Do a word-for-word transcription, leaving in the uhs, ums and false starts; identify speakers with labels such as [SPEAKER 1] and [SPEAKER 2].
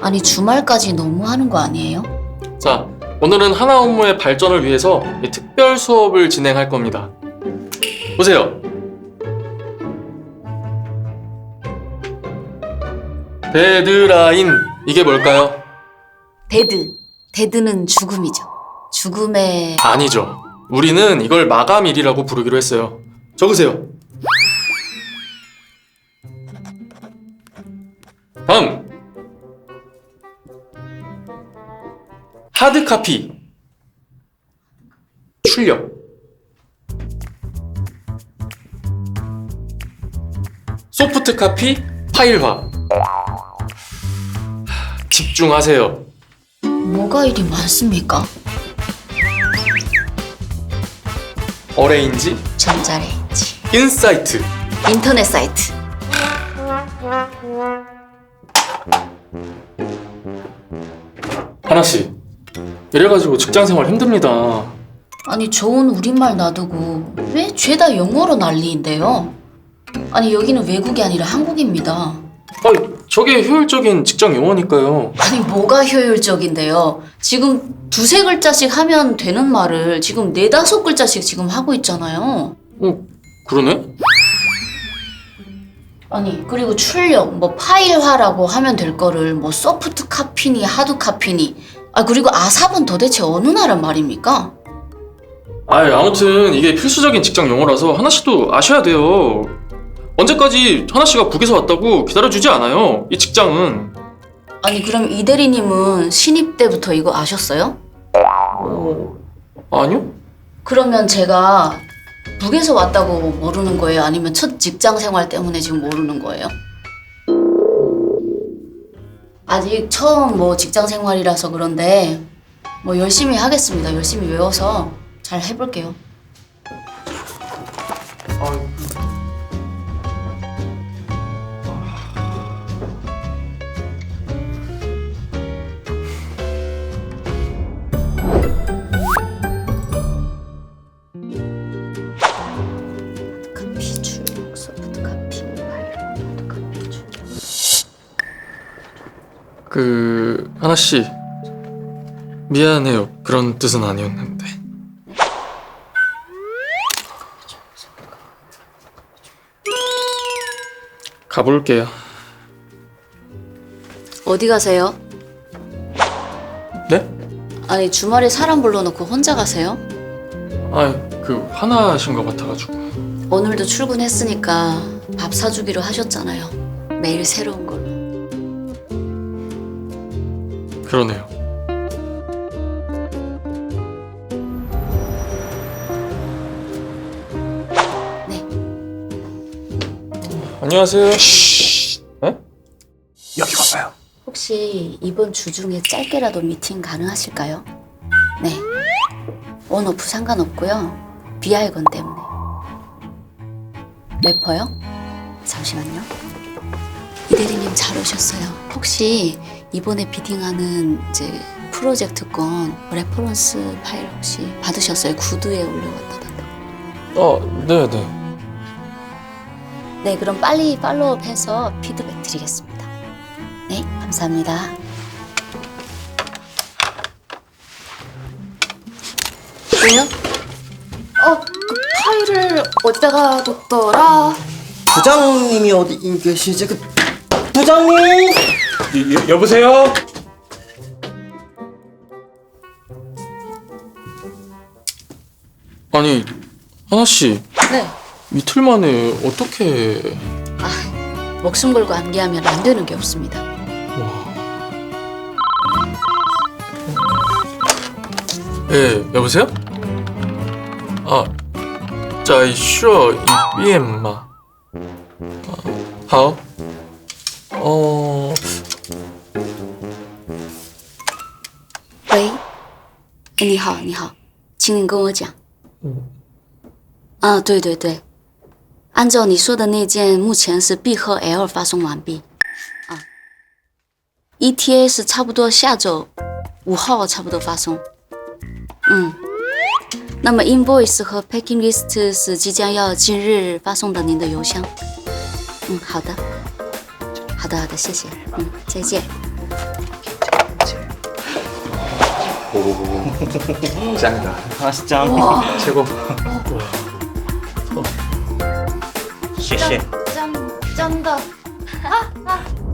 [SPEAKER 1] 아니 주말까지 너무 하는 거 아니에요?
[SPEAKER 2] 자, 오늘은 하나 업무의 발전을 위해서 이 특별 수업을 진행할 겁니다. 보세요. 데드라인, 이게 뭘까요?
[SPEAKER 1] 데드. 데드는 죽음이죠. 죽음의...
[SPEAKER 2] 아니죠. 우리는 이걸 마감일이라고 부르기로 했어요. 적으세요. 다음! 하드카피 출력. 소프트카피 파일화. 집중하세요.
[SPEAKER 1] 뭐가 이리 많습니까?
[SPEAKER 2] 어레인지,
[SPEAKER 1] 전자레인지,
[SPEAKER 2] 인사이트.
[SPEAKER 1] 인터넷 사이트.
[SPEAKER 2] 하나씨, 이래가지고 직장생활 힘듭니다.
[SPEAKER 1] 아니 좋은 우리말 놔두고 왜 죄다 영어로 난리인데요? 아니 여기는 외국이 아니라 한국입니다.
[SPEAKER 2] 아니, 저게 효율적인 직장 용어니까요.
[SPEAKER 1] 아니 뭐가 효율적인데요? 지금 두세 글자씩 하면 되는 말을 지금 네다섯 글자씩 지금 하고 있잖아요.
[SPEAKER 2] 어, 그러네?
[SPEAKER 1] 아니 그리고 출력, 뭐 파일화라고 하면 될 거를 뭐 소프트 카피니 하드 카피니. 아 그리고 아삽은 도대체 어느 나라 말입니까?
[SPEAKER 2] 아이, 아무튼 이게 필수적인 직장 용어라서 하나씨도 아셔야 돼요. 언제까지 하나씨가 북에서 왔다고 기다려주지 않아요. 이 직장은.
[SPEAKER 1] 아니 그럼 이 대리님은 신입 때부터 이거 아셨어요?
[SPEAKER 2] 어, 아니요?
[SPEAKER 1] 그러면 제가 북에서 왔다고 모르는 거예요? 아니면 첫 직장 생활 때문에 지금 모르는 거예요? 아직 처음 뭐 직장 생활이라서 그런데 뭐 열심히 하겠습니다. 열심히 외워서 잘 해볼게요.
[SPEAKER 2] 아,
[SPEAKER 1] 카피 출력, 소프트 카피, 파일, 하드 카피 출력.
[SPEAKER 2] 그 하나씨, 미안해요. 그런 뜻은 아니었는데. 가볼게요.
[SPEAKER 1] 어디 가세요?
[SPEAKER 2] 네?
[SPEAKER 1] 아니 주말에 사람 불러놓고 혼자 가세요?
[SPEAKER 2] 아, 그 화나신 것 같아가지고.
[SPEAKER 1] 오늘도 출근했으니까 밥 사주기로 하셨잖아요. 매일 새로운 걸로.
[SPEAKER 2] 그러네요.
[SPEAKER 1] 네.
[SPEAKER 2] 안녕하세요. 네?
[SPEAKER 3] 여기 봐봐요.
[SPEAKER 1] 혹시 이번 주 중에 짧게라도 미팅 가능하실까요? 네. 원오프 상관없고요. 비알건 때문에. 래퍼요? 잠시만요. 이 대리님 잘 오셨어요. 혹시 이번에 비딩하는 이제 프로젝트건 레퍼런스 파일 혹시 받으셨어요? 구두에 올려왔다던데.
[SPEAKER 2] 어, 네, 네.
[SPEAKER 1] 네, 그럼 빨리 팔로우업해서 피드백 드리겠습니다. 네, 감사합니다. 왜요? 어, 그 파일을 어디다가 뒀더라?
[SPEAKER 3] 부장님이 어디 계시지? 그 부장님!
[SPEAKER 4] 여, 여보세요?
[SPEAKER 2] 아니, 하나씨,
[SPEAKER 1] 네.
[SPEAKER 2] 이틀 만에 어떻게...
[SPEAKER 1] 아, 목숨 걸고 암기하면 안 되는 게 없습니다.
[SPEAKER 2] 예, 여보세요? 아, 在说一遍吗？啊，好。哦，
[SPEAKER 1] 喂，哎，你好，你好，请你跟我讲。
[SPEAKER 2] 嗯，
[SPEAKER 1] 啊，对对对，按照你说的那件，目前是 B 和 L 发送完毕。啊 ，E T A 是差不多下周五号差不多发送。嗯，那么 Invoice 和 Packing List 是即将要今日发送到您的邮箱。嗯，好的，好的，好的，谢谢。嗯，再见。
[SPEAKER 4] 짱이다.
[SPEAKER 3] 하나씨 짱.
[SPEAKER 4] 최고.
[SPEAKER 3] 谢谢。
[SPEAKER 1] 真真的啊啊